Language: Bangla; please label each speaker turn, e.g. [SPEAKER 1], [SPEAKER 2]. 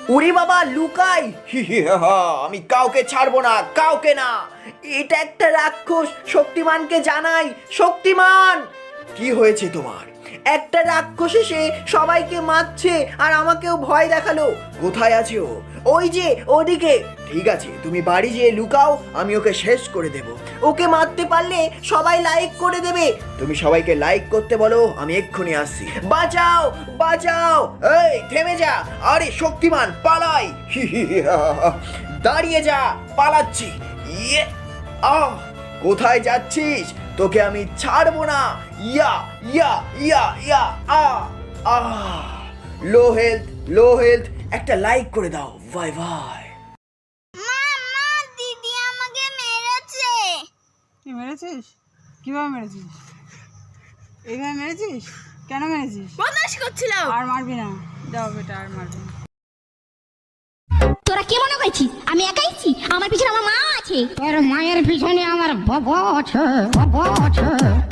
[SPEAKER 1] ওরে বাবা লুকাই, আমি কাউকে ছাড়বো না, কাউকে না। এটা একটা রাক্ষস, শক্তিমানকে জানাই। শক্তিমান, কি হয়েছে তোমার? একটা রাক্ষস এসে সবাইকে মারছে আর আমাকেও ভয় দেখালো। কোথায় আছে ও? ওই যে ওদিকে। ঠিক আছে, তুমি বাড়ি যেয়ে লুকাও, আমি ওকে শেষ করে দেব। ওকে মারতে পারলে সবাই লাইক করে দেবে। তুমি সবাইকে লাইক করতে বলো, আমি এক্ষুনি আসছি। বাঁচাও বাঁচাও, এই থেমে যা। আরে শক্তিমান পালাই। দাঁড়িয়ে যা, পালাচ্ছি। ইয়ে, আহ, কোথায় যাচ্ছিস? তোকে আমি ছাড়বো না। ইয়া ইয়া ইয়া ইয়া, আ আ, লো হেলথ, লো হেলথ। একটা লাইক করে দাও। Bye bye.
[SPEAKER 2] মা দিদি আমাকে মেরেছে।
[SPEAKER 3] তুই মেরেছিস? কিভাবে মেরেছিস? এইভাবে মেরেছিস? কেন মেরেছিস?
[SPEAKER 2] বদমাশ করছিলাম।
[SPEAKER 3] আর মারবি না, যাও বেটা, আর মারবি না।
[SPEAKER 4] তোরা কি মনে করছিস আমি একাইছি? আমার পিছনে আমার মা আছে।
[SPEAKER 5] তোর মায়ের পিছনে আমার বাবা আছে, বাবা আছে।